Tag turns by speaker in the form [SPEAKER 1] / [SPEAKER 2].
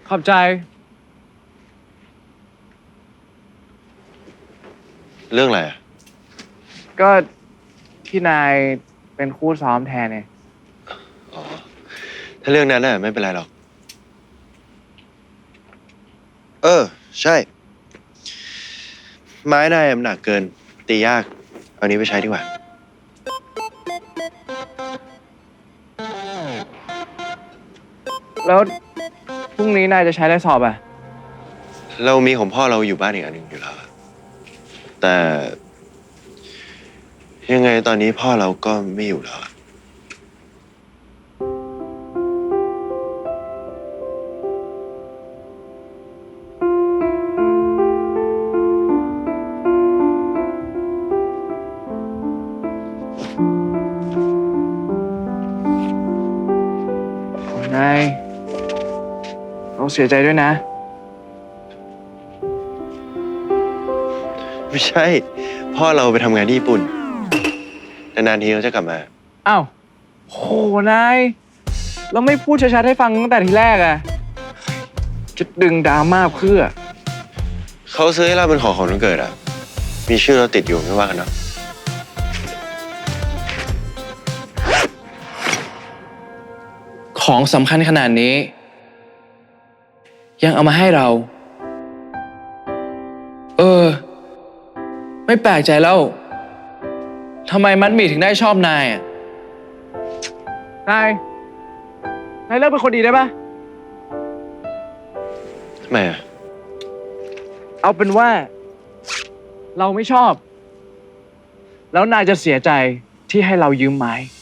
[SPEAKER 1] ขอบใจ
[SPEAKER 2] เรื่องอะไรอ่ะ
[SPEAKER 1] ก็ที่นายเป็นคู่ซ้อมแทนเนี่ย
[SPEAKER 2] อ๋อถ้าเรื่องนั้นน่ะไม่เป็นไรหรอกใช่ไม้นายมันหนักเกินตียากเอานี้ไปใช้ดีกว่า
[SPEAKER 1] แล้วพรุ่งนี้นายจะใช้ได้สอบอ่ะ
[SPEAKER 2] เรามีของพ่อเราอยู่บ้านอีกอันหนึ่งอยู่แล้วอะแต่ยังไงตอนนี้พ่อเราก็ไม่อยู่แล้วอะ
[SPEAKER 1] นายเราเสียใจด้วยนะ
[SPEAKER 2] ไม่ใช่พ่อเราไปทำงานที่ญี่ปุ่นนานๆทีเขาจะกลับมา
[SPEAKER 1] อ้าวโหนายเราไม่พูดชัดๆให้ฟังตั้งแต่ทีแรกอะจะดึงดราม่าเพื่อ
[SPEAKER 2] เขาซื้อให้เราเป็นของวันเกิดอ่ะมีชื่อเราติดอยู่ไม่ว่ากันเนาะ
[SPEAKER 1] ของสำคัญขนาดนี้ยังเอามาให้เราไม่แปลกใจแล้วทำไมมัดหมี่ถึงได้ชอบนายอ่ะนายเลิกเป็นคนดีได้ปะ
[SPEAKER 2] ทำไมอ่ะ
[SPEAKER 1] เอาเป็นว่าเราไม่ชอบแล้วนายจะเสียใจที่ให้เรายืมไม้